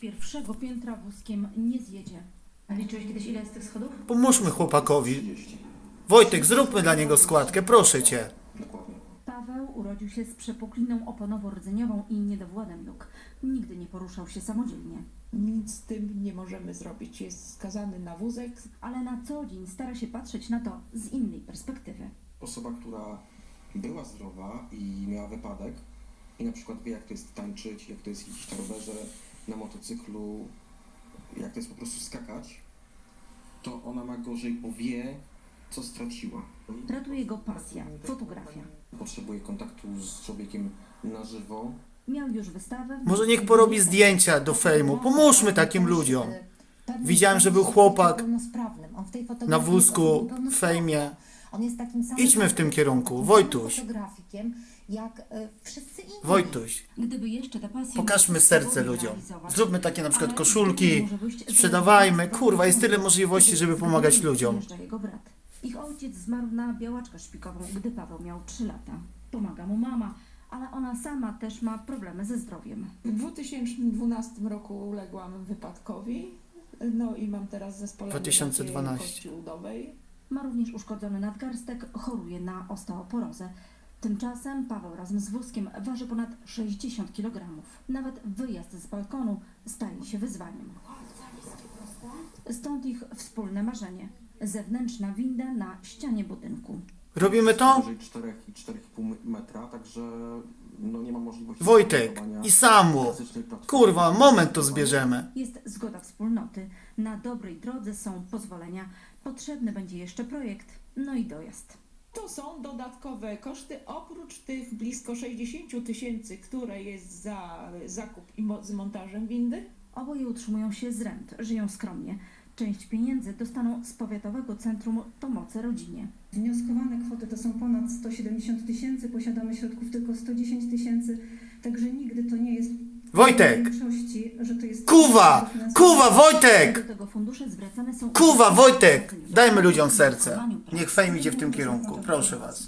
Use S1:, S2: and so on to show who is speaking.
S1: pierwszego piętra wózkiem nie zjedzie.
S2: A liczyłeś kiedyś, ile jest tych schodów?
S3: Pomóżmy chłopakowi. Wojtek, zróbmy dla niego składkę, proszę cię.
S4: Dokładnie.
S1: Paweł urodził się z przepukliną oponowo-rdzeniową i niedowładem nóg. Nigdy nie poruszał się samodzielnie,
S5: Nic z tym nie możemy zrobić. Jest skazany na wózek.
S1: ale na co dzień stara się patrzeć na to z innej perspektywy.
S4: Osoba, która była zdrowa i miała wypadek i na przykład wie, jak to jest tańczyć, jak to jest jeździć na rowerze, na motocyklu, jak to jest po prostu skakać, to ona ma gorzej, bo wie, co straciła.
S1: Ratuje go pasja, fotografia.
S4: Potrzebuje kontaktu z człowiekiem na żywo.
S1: Miał już wystawę.
S3: Może niech porobi zdjęcia do fejmu. Pomóżmy takim ludziom. Widziałem, że był chłopak na wózku w fejmie.
S2: On jest takim samym
S3: Idźmy w tym kierunku. Wojtuś,
S2: fotografikiem, jak wszyscy inni.
S3: Wojtuś.
S1: Gdyby jeszcze te pasje
S3: Pokażmy serce ludziom. Zróbmy takie na przykład
S1: Ale
S3: koszulki,
S1: może wyjść z
S3: sprzedawajmy.
S1: tego
S3: Kurwa, jest tyle możliwości, żeby pomagać ludziom.
S1: Przyjeżdża jego brat. Ich ojciec zmarł na białaczkę szpikową, gdy Paweł miał 3 lata. Pomaga mu mama, ale ona sama też ma problemy ze zdrowiem.
S5: W 2012 roku uległam wypadkowi. No i mam teraz zespolenie
S3: 2012.
S5: kości udowej.
S1: Ma również uszkodzony nadgarstek, choruje na osteoporozę. Tymczasem Paweł razem z wózkiem waży ponad 60 kg. Nawet wyjazd z balkonu staje się wyzwaniem. Stąd ich wspólne marzenie. Zewnętrzna winda na ścianie budynku.
S3: Robimy to?
S4: Powyżej 4 i 4,5 metra, także no nie ma możliwości...
S3: Wojtek
S4: zbudowania
S3: i Samu.
S4: klasycznej platformy.
S3: Kurwa, moment to zbierzemy.
S1: Jest zgoda wspólnoty. Na dobrej drodze są pozwolenia. Potrzebny będzie jeszcze projekt, no i dojazd.
S5: To są dodatkowe koszty, oprócz tych blisko 60 000, które jest za zakup i z montażem windy.
S1: Oboje utrzymują się z rent, żyją skromnie. Część pieniędzy dostaną z Powiatowego Centrum Pomocy Rodzinie.
S6: Wnioskowane kwoty to są ponad 170 000, posiadamy środków tylko 110 000, także nigdy to nie jest
S3: Wojtek!
S6: w większości, że to jest...
S3: Kuwa! Kuwa, Wojtek!
S1: Do tego fundusze zwracane są...
S3: Kuwa, Wojtek! Dajmy ludziom serce. Niech fejm idzie w tym kierunku. Proszę was.